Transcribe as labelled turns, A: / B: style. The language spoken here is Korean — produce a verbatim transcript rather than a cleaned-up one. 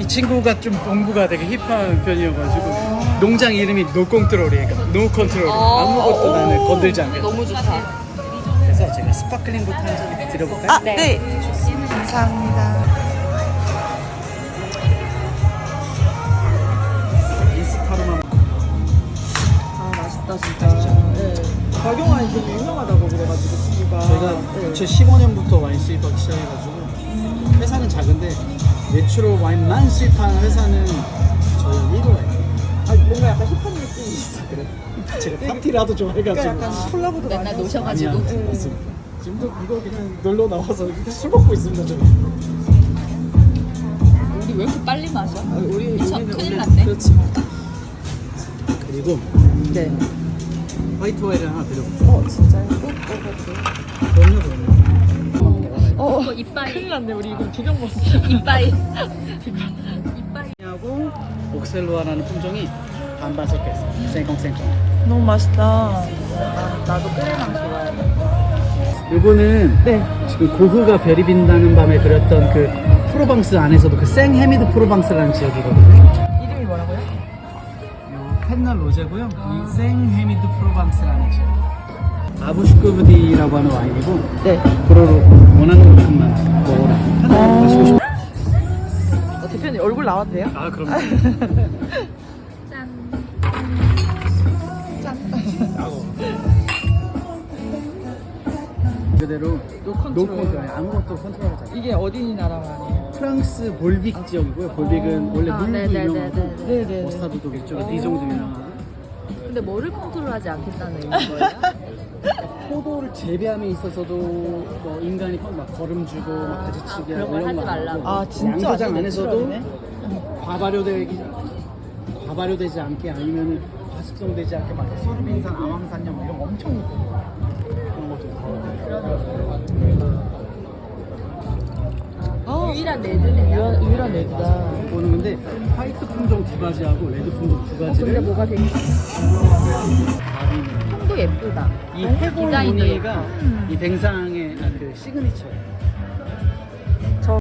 A: 이 친구가 좀 농부가 되게 힙한 편이어가지고 농장 이름이 노 컨트롤이에요. 노 컨트롤. 아무것도 나는 건들지 않겠다.
B: 너무 좋다.
A: 그래서 제가 스파클링부터 한 잔 드려볼까요?
C: 아, 네. 감사합니다.
A: 인스타로만.
B: 아 맛있다 진짜. 네. 박용환이 되게 유명하다고 그래가지고 친구가.
A: 저희가
B: 네.
A: 이천십오 년부터 와인 수입하기 시작해가지고 회사는 작은데 내추럴 와인만 수입하는 회사는 저희 일 호예요.
B: 아 뭔가 약간 힙한 느낌이 있어.
A: 그래. 제가 파티라도 좋아해가지고.
B: 그러니까 약간 콜라보도 많이 하고.
A: 아니야.
B: 네.
A: 맞습니다. 지금도 이거 그냥 놀러 나와서 술 먹고 있습니다. 저희.
D: 우리 왜 이렇게 빨리 마셔?
B: 아, 우리
D: 미쳐
B: 우리는
D: 큰일
B: 원래-
D: 났네.
B: 그렇지.
A: 그리고
B: 네.
A: 화이트 와인을 하나 드려볼게요.
B: 어 진짜요? 꼭 먹어볼게요.
A: 그럼요, 그럼요.
B: 어,
D: 어, 이빠이.
B: 큰일 났네. 우리 이거 두병 먹었어.
D: 이빠이. 이빠이.
A: 하고 옥셀로아라는 품종이 반반 섞여 있어요. 생콩생콩.
C: 너무 맛있다.
B: 아, 나도 끓여랑 좋아해.
A: 이거는
B: 네.
A: 지금 고흐가 별이 빈다는 밤에 그렸던 그 프로방스 안에서도 그 생헤미드 프로방스라는 지역이거든요.
B: 이름이 뭐라고요?
A: 요 펜널 로제고요. 이 생헤미드 프로방스라는 지역. 아부슈크브디라고 하는 와인이고
B: 네.
A: 그로로 원하는 만큼만 먹어라. 편하게 마시고 싶어.
B: 어, 대표님 얼굴 나와도 돼요?
A: 아 그럼요.
D: 짠.
A: 그대로
B: 노 컨트롤.
A: 노 컨트롤 아무것도 컨트롤하지 않아요.
B: 이게 어디 나라 말이에요?
A: 프랑스 볼빅 지역이고요. 볼빅은 원래
D: 아,
A: 물도
D: 네네네네.
A: 유명하고
B: 네네.
A: 머스타드도 그쪽 디종도 유명하고
D: 근데 뭐를 컨트롤하지 않겠다는 의미인 거예요?
A: 포도를 재배함에 있어서도 뭐 인간이 막 걸음 주고 막 가지치기
D: 아, 그런
A: 하고
D: 걸
A: 이런
D: 하지
A: 거 안
D: 말라고.
A: 하고
B: 아 진짜
A: 양조장
B: 완전
A: 안에서도
B: 내추럴이네.
A: 과발효되기 과발효되지 않게 아니면 과습성되지 않게 막 소르빈산, 아황산염 이런 거 엄청 있고 그런 것도
B: 어,
D: 유일한 레드네.
B: 유일한, 유일한 레드다.
A: 보는 건데 화이트 품종 두 가지하고 레드 품종 두
D: 근데
A: 가지를
D: 뭐가 되게
A: 다리는
D: 도 예쁘다.
A: 이
D: 디자인도
A: 해골무늬가
D: 예뻐.
A: 이 뱅상의 아, 그 시그니처예요.